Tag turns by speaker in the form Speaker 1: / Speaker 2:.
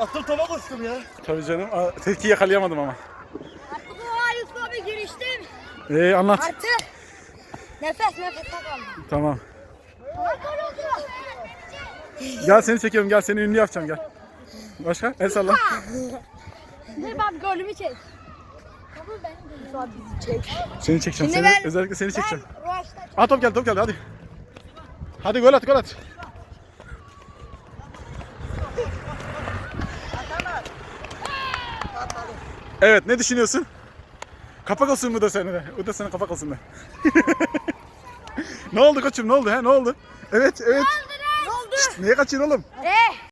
Speaker 1: Attım topa koştum ya.
Speaker 2: Tabii canım. Tepki yakalayamadım ama.
Speaker 3: Artık o Yusuf abi giriştim.
Speaker 2: Anlat.
Speaker 3: Artık nefes kaldım.
Speaker 2: Tamam. Gel seni çekiyorum. Gel seni ünlü yapacağım gel. Başka? El salla.
Speaker 3: Dur bak golümü çek. Tamam ben Yusuf abi bizi çek.
Speaker 2: Seni çekeceğim.
Speaker 3: Şimdi ben-
Speaker 2: Özellikle seni çekeceğim.
Speaker 3: Ben
Speaker 2: Top geldi hadi. Hadi gol at. Evet, ne düşünüyorsun? Kapak olsun bu da senin de. Bu da senin kapak olsun da. Ne oldu koçum? Ne oldu? Ne oldu? Evet.
Speaker 3: Ne oldu?
Speaker 2: Neye kaçıyorsun oğlum?